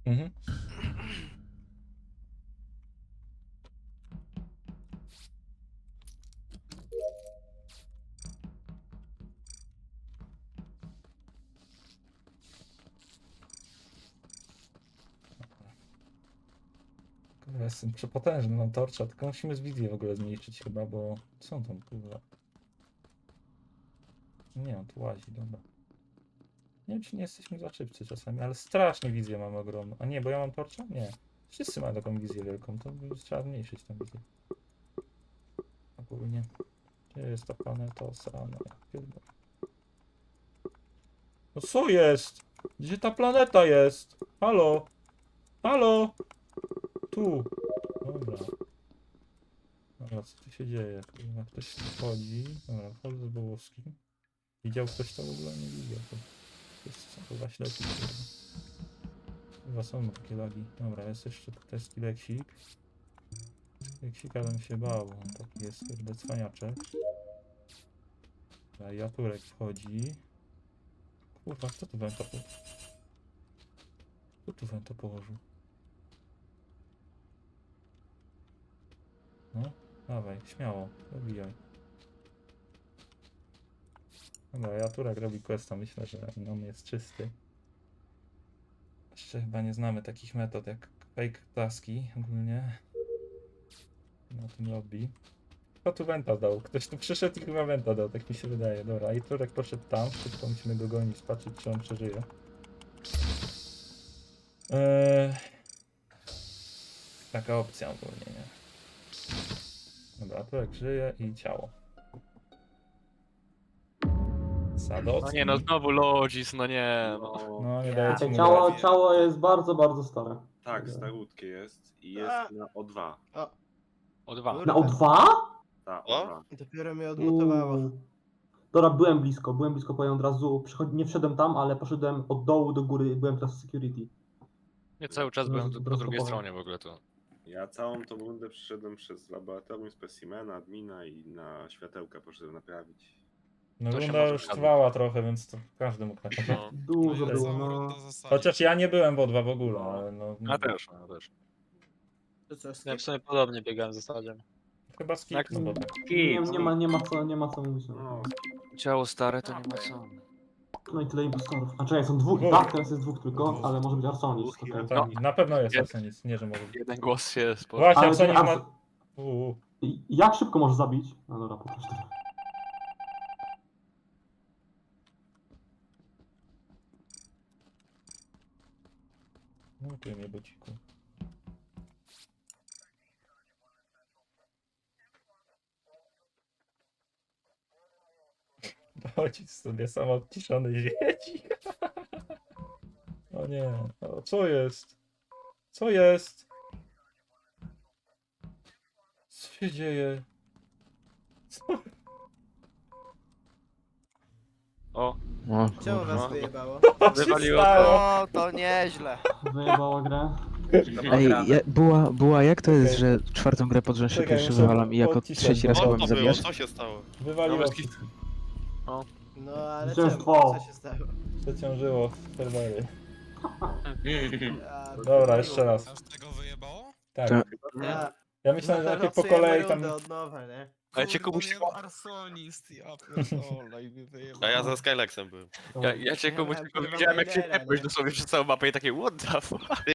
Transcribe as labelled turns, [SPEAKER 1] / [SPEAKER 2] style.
[SPEAKER 1] Mhm. Kurwa, jestem przepotężny, mam torcza, tylko musimy z wizji w ogóle zmniejszyć chyba, bo co on tam, kurwa? Nie, on tu łazi, dobra. Nie wiem, czy nie jesteśmy za szybcy czasami, ale strasznie wizję mamy ogromną. A nie, bo ja mam torcza? Nie. Wszyscy mają taką wizję wielką, to trzeba zmniejszyć tę wizję. Ogólnie. Gdzie jest ta planeta osrana? Ja pierdolę. No co jest? Gdzie ta planeta jest? Halo? Halo? Tu. Dobra. Dobra, co tu się dzieje? Kurwa, ktoś tu wchodzi. Dobra, wchodzę z Bołowskim. Widział ktoś to w ogóle? Nie widział. To wszyscy są chyba ślepi. Chyba są takie lagi. Dobra, jest jeszcze tutaj skileksik. Skileksika bym się bał, bo on taki jest kurde cwaniaczek. Dobra, Jaturek wchodzi. Kurwa, kto tu węta położył? Kto tu węta położył? No, dawaj, śmiało, dobijaj. Dobra, Jaturek robi questa, myślę, że on jest czysty. Jeszcze chyba nie znamy takich metod jak fake taski ogólnie. Na tym lobby. Kto tu wenta dał? Ktoś tu przyszedł i chyba wenta dał, tak mi się wydaje. Dobra, i Turek poszedł tam, szybko musimy go gonić, patrzeć czy on przeżyje. Taka opcja ogólnie, nie? Dobra, Turek żyje i ciało. Sadowski.
[SPEAKER 2] No nie, no znowu Lodzis, no nie, no.
[SPEAKER 1] No, nie daje ci mu
[SPEAKER 3] Ciało,
[SPEAKER 1] grać.
[SPEAKER 3] ciało jest bardzo, bardzo stare.
[SPEAKER 4] Tak, starutkie jest i jest na O2.
[SPEAKER 2] O dwa.
[SPEAKER 3] Na O2?
[SPEAKER 4] Ta
[SPEAKER 5] O?
[SPEAKER 4] O2.
[SPEAKER 5] Dopiero mnie odmutowało.
[SPEAKER 3] Dobra, byłem blisko, powiem od razu. Nie wszedłem tam, ale poszedłem od dołu do góry, byłem teraz w security.
[SPEAKER 2] Ja cały czas byłem po drugiej
[SPEAKER 3] powiem.
[SPEAKER 2] stronie w ogóle tu.
[SPEAKER 4] Ja całą tą rundę przeszedłem przez laboratorium specimena, admina i na światełka poszedłem naprawić.
[SPEAKER 1] No
[SPEAKER 2] To się
[SPEAKER 1] runda
[SPEAKER 2] może
[SPEAKER 1] już
[SPEAKER 2] zgadzać.
[SPEAKER 1] trwała trochę, więc to każdy mógł tak.
[SPEAKER 2] No.
[SPEAKER 3] Dużo
[SPEAKER 1] ja
[SPEAKER 3] było,
[SPEAKER 5] całą
[SPEAKER 3] no.
[SPEAKER 5] rundę zasadzić.
[SPEAKER 1] Chociaż ja nie byłem w O2 w ogóle, ale no...
[SPEAKER 2] Ja też, ja też.
[SPEAKER 5] To co,
[SPEAKER 6] Ja
[SPEAKER 5] skip?
[SPEAKER 6] w sumie podobnie biegałem w zasadzie.
[SPEAKER 1] Chyba skip,
[SPEAKER 2] Jak
[SPEAKER 1] no bo...
[SPEAKER 3] Nie ma co mówić. No.
[SPEAKER 4] No,
[SPEAKER 2] Ciało stare to nie ma co.
[SPEAKER 3] No i tyle impostorów. A czekaj, są dwóch.
[SPEAKER 1] Dwóch.
[SPEAKER 3] Tak, teraz jest dwóch tylko, ale może być Arsonis. okej.
[SPEAKER 1] Tam, na pewno jest
[SPEAKER 2] Jest.
[SPEAKER 1] Arsenis, nie że może być.
[SPEAKER 2] Jeden głos się spotkał.
[SPEAKER 1] Właśnie,
[SPEAKER 3] Ale
[SPEAKER 1] Arsenis
[SPEAKER 3] Ars-
[SPEAKER 1] ma...
[SPEAKER 3] Jak szybko możesz zabić? No dobra, po prostu.
[SPEAKER 1] No tu mnie bociku. Chodź sobie sam odciszony siedzi. O nie, o, co jest? Co jest? Co się dzieje? Co?
[SPEAKER 2] O,
[SPEAKER 5] Czemu was
[SPEAKER 2] No.
[SPEAKER 5] wyjebało?
[SPEAKER 1] Co się
[SPEAKER 2] Wywaliło
[SPEAKER 1] stało?
[SPEAKER 7] O, to nieźle.
[SPEAKER 3] Wyjebała grę.
[SPEAKER 8] Ej, była jak to jest,
[SPEAKER 1] Okej.
[SPEAKER 8] że czwartą grę pod rząd się
[SPEAKER 1] Czekaj,
[SPEAKER 8] pierwszy
[SPEAKER 1] muszę
[SPEAKER 8] wywalam i jako
[SPEAKER 1] odcisnąć,
[SPEAKER 8] trzeci raz
[SPEAKER 1] bo-
[SPEAKER 8] chyba
[SPEAKER 5] O,
[SPEAKER 8] mnie
[SPEAKER 5] to było,
[SPEAKER 8] zabijasz?
[SPEAKER 5] co się stało?
[SPEAKER 1] Wywaliło
[SPEAKER 2] Nawet
[SPEAKER 1] wszystkich.
[SPEAKER 5] No ale
[SPEAKER 3] Zwycięstwo.
[SPEAKER 5] czemu? Co się stało?
[SPEAKER 1] Przeciążyło serwery.
[SPEAKER 5] Ja
[SPEAKER 1] Dobra, jeszcze raz.
[SPEAKER 9] Aż tego wyjebało?
[SPEAKER 1] Tak.
[SPEAKER 8] To-
[SPEAKER 5] Ja,
[SPEAKER 1] Ja myślałem, że najpierw po
[SPEAKER 5] losujemy
[SPEAKER 1] kolei tam...
[SPEAKER 5] rundę od nowa, nie?
[SPEAKER 2] Ale cię
[SPEAKER 9] Kurde,
[SPEAKER 2] komuś
[SPEAKER 9] miałem Arsonist, ja pierdolę i mnie wyjebało.
[SPEAKER 5] A ja za Skylexem byłem.
[SPEAKER 2] ja cię komuś
[SPEAKER 5] Ja
[SPEAKER 2] tylko
[SPEAKER 5] miałem
[SPEAKER 2] widziałem jak się
[SPEAKER 5] Raidera,
[SPEAKER 2] tepłeś
[SPEAKER 5] nie?
[SPEAKER 2] dosłownie przez całą mapę i takie what the fuck?